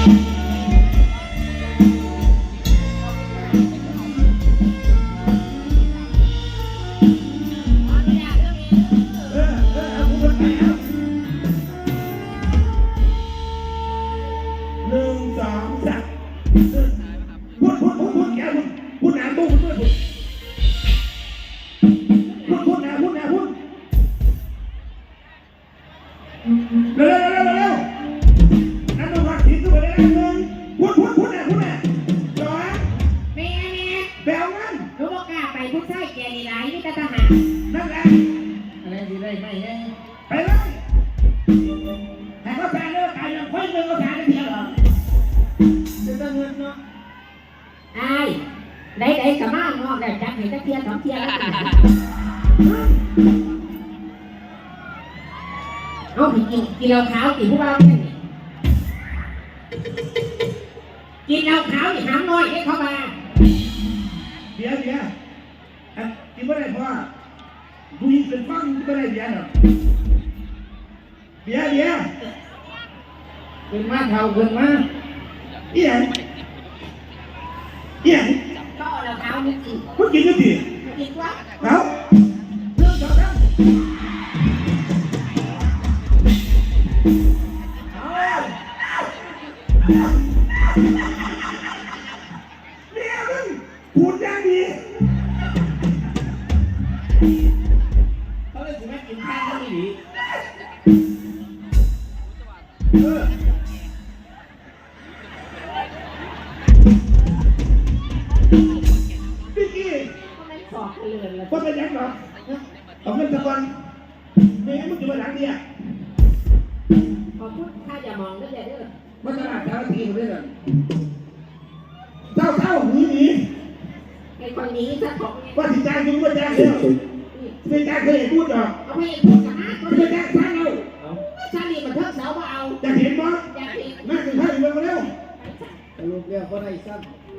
ได้สามารถงอกได้จับเห็นตะเกียบสองเกียร์เอาไปกินเหล้าขาวกินผู้บ่าวเนี่ยกินเหล้าขาวนี่หำน้อยให้เข้ามาเบียร์กินไม่ได้เพราะว่าผู้หญิงเป็นฟังกินไม่ได้เบียร์หรอกเบียร์ขึ้นมาเท่าขึ้นมาเอี่ยก็เหล้าขาวนี่กินพูดกินก็ดีกินวะเอาเรื่องจอดนะเนี่ยมึงพูดอย่างดีเขาเลยถึงแม่กินข้าวก็ไม่ดีพี่กี้ก็เป็นยังหรอเอาเงินสักวันไม่งั้นมึงจะมาหลังเนี่ยขอพูดถ้าอย่ามองก็อย่าเด้อมาตลาดเช้าทีมาด้วยกันเจ้าหนีไอ้คนนี้ถ้าของว่าสิจ้างยุ่งว่าจ้างเดียวไม่จ้างเคยพูดหรอเอาไม่พูดกันนะไม่จ้างช้างเอาชาลีมันเทิงเสามาเอาอยากเห็นมั้ยอยากเห็นนั่งกินข้าวอยู่เร็วลูกเรียกเขาได้สั้น